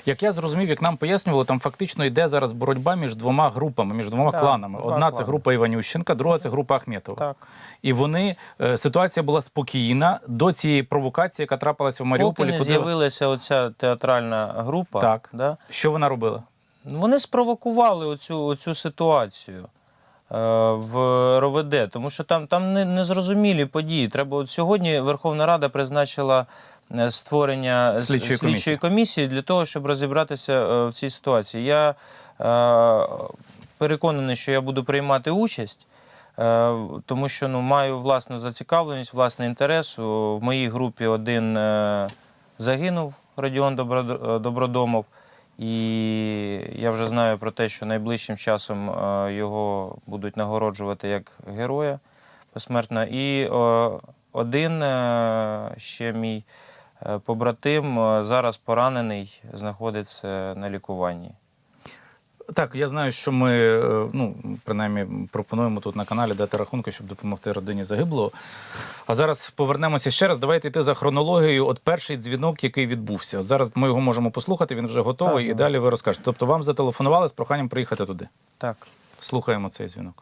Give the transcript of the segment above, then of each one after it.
Як я зрозумів, як нам пояснювали, там фактично йде зараз боротьба між двома групами, між двома кланами. Одна – це група Іванющенка, друга – це група Ахметова. Так. І вони, ситуація була спокійна до цієї провокації, яка трапилася в Маріуполі. Поки не з'явилася оця театральна група. Так. Да? Що вона робила? Вони спровокували оцю ситуацію в РОВД, тому що там незрозумілі події. Треба, от сьогодні Верховна Рада призначила створення слідчої комісії для того, щоб розібратися в цій ситуації. Я переконаний, що я буду приймати участь, тому що маю власну зацікавленість, власний інтерес. В моїй групі один загинув, Радіон Добродомов, і я вже знаю про те, що найближчим часом його будуть нагороджувати як героя посмертно. І один ще мій побратим зараз поранений, знаходиться на лікуванні. Так, я знаю, що ми, принаймні, пропонуємо тут на каналі дати рахунки, щоб допомогти родині загиблого. А зараз повернемося ще раз. Давайте йти за хронологією. От перший дзвінок, який відбувся. От зараз ми його можемо послухати, він вже готовий, так, і далі ви розкажете. Тобто вам зателефонували з проханням приїхати туди? Так. Слухаємо цей дзвінок.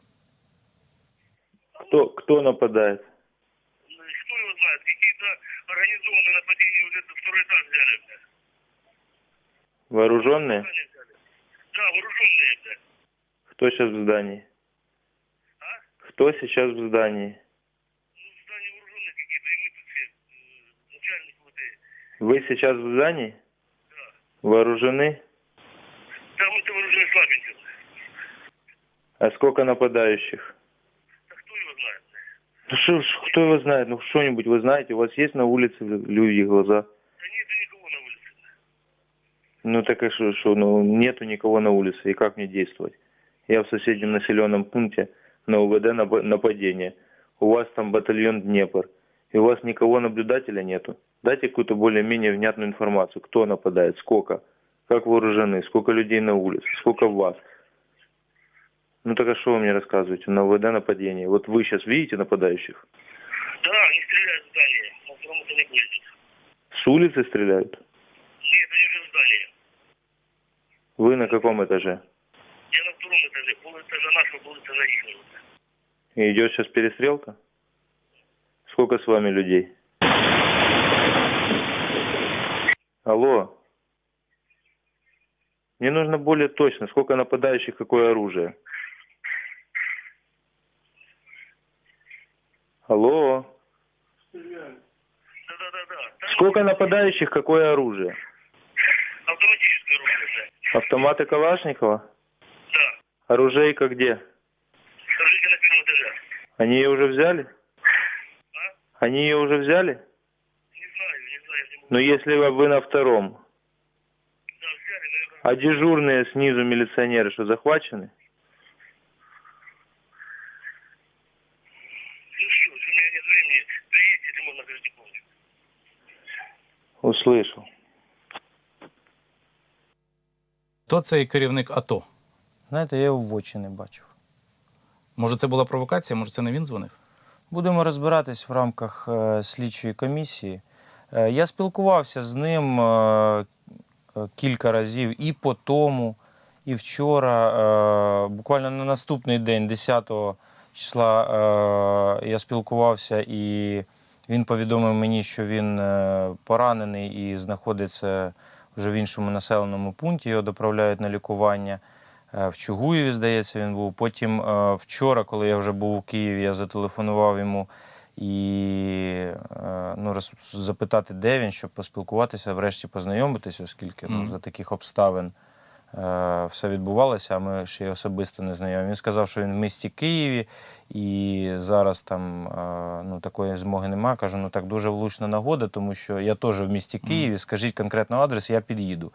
Кто нападает? Кто его знает? Какие-то организованные нападения уже второй этаж взяли. Вооруженные? Да, вооруженные. Кто сейчас в здании? А? Кто сейчас в здании? Ну, в здании вооруженные какие-то, и мы тут все, начальник ВД. Вы сейчас в здании? Да. Вооружены? Да, мы-то вооружены слабенько. А сколько нападающих? Да кто его знает? Ну кто его знает? Ну что-нибудь вы знаете? У вас есть на улице люди глаза? Да нету никого на улице. Ну так и что? Ну нету никого на улице. И как мне действовать? Я в соседнем населенном пункте, на УВД нападение. У вас там батальон Днепр. И у вас никого наблюдателя нету. Дайте какую-то более-менее внятную информацию. Кто нападает, сколько, как вооружены, сколько людей на улице, сколько вас. Ну так а что вы мне рассказываете? На УВД нападение. Вот вы сейчас видите нападающих? Да, они стреляют в здание. На втором этаже будет. С улицы стреляют? Нет, они уже в здании. Вы на каком этаже? Я на втором этаже. Полэтажа нашего, полэтажа ихнего. И идет сейчас перестрелка? Сколько с вами людей? Алло. Мне нужно более точно. Сколько нападающих, какое оружие? Алло. Да. Сколько нападающих, какое оружие? Автоматическое оружие, да. Автоматы Калашникова? Да. Оружейка где? Скажите на первом этаже. Они ее уже взяли? А? Они ее уже взяли? Не знаю, не могу. Но если вы на втором, Да, взяли, наверное. а дежурные снизу милиционеры что, захвачены? Ну что, у меня нет времени. Приедьте, если можно, скажите помощь. Услышал. Хто цей керівник АТО? Знаєте, я його в очі не бачив. Може це була провокація, може це не він дзвонив? Будемо розбиратись в рамках слідчої комісії. Я спілкувався з ним кілька разів і по тому, і вчора. Буквально на наступний день, 10 числа, я спілкувався, і він повідомив мені, що він поранений і знаходиться вже в іншому населеному пункті, його доправляють на лікування. В Чугуєві, здається, він був. Потім вчора, коли я вже був у Києві, я зателефонував йому і запитати, де він, щоб поспілкуватися, врешті познайомитися, оскільки за таких обставин все відбувалося, а ми ще й особисто не знайомі. Він сказав, що він в місті Києві і зараз там такої змоги немає. Кажу, так дуже влучна нагода, тому що я теж в місті Києві, скажіть конкретно адрес, я під'їду.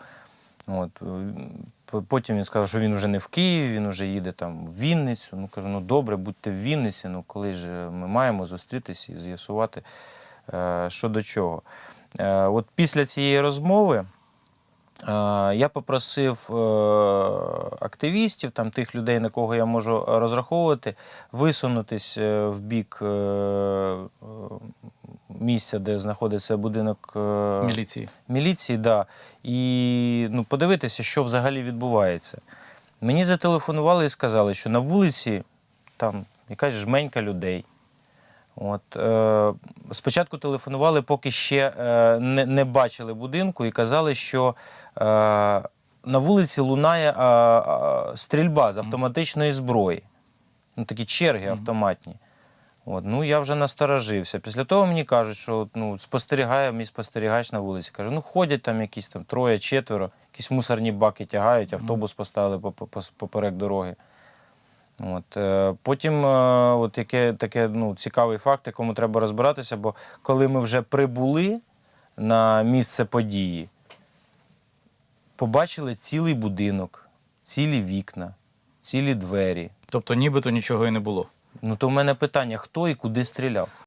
Потім він сказав, що він вже не в Києві, він вже їде там в Вінницю. Кажу, добре, будьте в Вінниці, коли ж ми маємо зустрітися і з'ясувати, що до чого. От після цієї розмови я попросив активістів, тих людей, на кого я можу розраховувати, висунутись в бік місця, де знаходиться будинок Міліції. да, і ну, подивитися, що взагалі відбувається. Мені зателефонували і сказали, що на вулиці там якась жменька людей. От, спочатку телефонували, поки ще не бачили будинку, і казали, що на вулиці лунає стрільба з автоматичної зброї. Ну, такі черги автоматні. От, ну, я вже насторожився. Після того мені кажуть, що ну, спостерігає мій спостерігач на вулиці. Каже, ну ходять там якісь там троє-четверо, якісь мусорні баки тягають, автобус поставили поперек дороги. От, потім от таке ну, цікавий факт, якому треба розбиратися, бо коли ми вже прибули на місце події, побачили цілий будинок, цілі вікна, цілі двері. Тобто нібито нічого і не було. Ну то в мене питання, хто і куди стріляв?